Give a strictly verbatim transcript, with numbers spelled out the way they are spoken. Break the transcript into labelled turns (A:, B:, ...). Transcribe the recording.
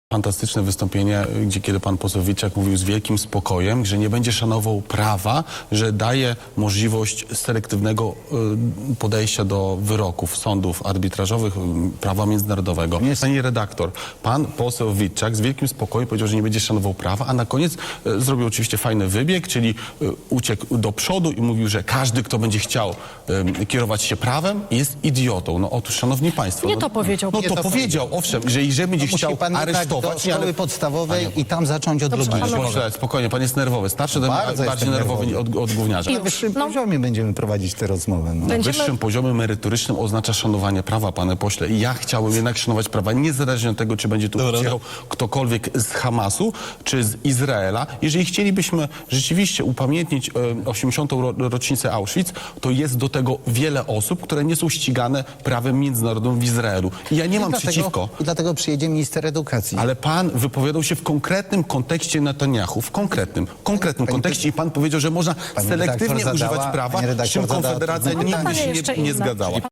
A: Fantastyczne wystąpienie, gdzie kiedy pan poseł Witczak mówił z wielkim spokojem, że nie będzie szanował prawa, że daje możliwość selektywnego y, podejścia do wyroków sądów arbitrażowych, y, prawa międzynarodowego.
B: Jest.
A: Pani redaktor, pan poseł Witczak z wielkim spokojem powiedział, że nie będzie szanował prawa, a na koniec y, zrobił oczywiście fajny wybieg, czyli y, uciekł do przodu i mówił, że każdy, kto będzie chciał y, kierować się prawem, jest idiotą. No otóż, szanowni państwo...
C: Nie
A: no,
C: to powiedział.
A: No
C: Nie
A: to,
C: to
A: powiedział, owszem, że jeżeli będzie
B: Musi
A: chciał
B: pan
A: aresztować...
B: do szkoły
A: ale-
B: podstawowej
A: Panie-
B: i tam zacząć od
C: Dobrze,
B: logiki.
C: panowie.
A: Proszę, spokojnie, pan jest nerwowy. Starszy,
B: Bardzo
A: bardziej
B: jestem
A: nerwowy
B: nerwowy.
A: od, od gówniarza.
C: I-
B: Na wyższym
C: No.
B: poziomie będziemy prowadzić tę rozmowę. No.
A: Na
C: Będziemy-
A: wyższym poziomie merytorycznym oznacza szanowanie prawa, panie pośle. I ja chciałbym jednak szanować prawa, niezależnie od tego, czy będzie tu przyjechał ktokolwiek z Hamasu, czy z Izraela. Jeżeli chcielibyśmy rzeczywiście upamiętnić e, osiemdziesiątą ro, rocznicę Auschwitz, to jest do tego wiele osób, które nie są ścigane prawem międzynarodowym w Izraelu. I ja nie mam
B: dlatego,
A: przeciwko.
B: I dlatego przyjedzie minister edukacji.
A: Ale pan wypowiadał się w konkretnym kontekście Netanyahu, w konkretnym, konkretnym
B: Pani-
A: kontekście i pan powiedział, że można
B: Pani
A: selektywnie
B: redaktor
A: używać
B: zadała-
A: prawa,
B: pani
A: z czym
B: redaktor zadała
A: Konfederacja
B: trudne
A: nigdy
C: pytanie.
A: się
C: Jeszcze
A: nie, nie
C: inne.
A: zgadzała.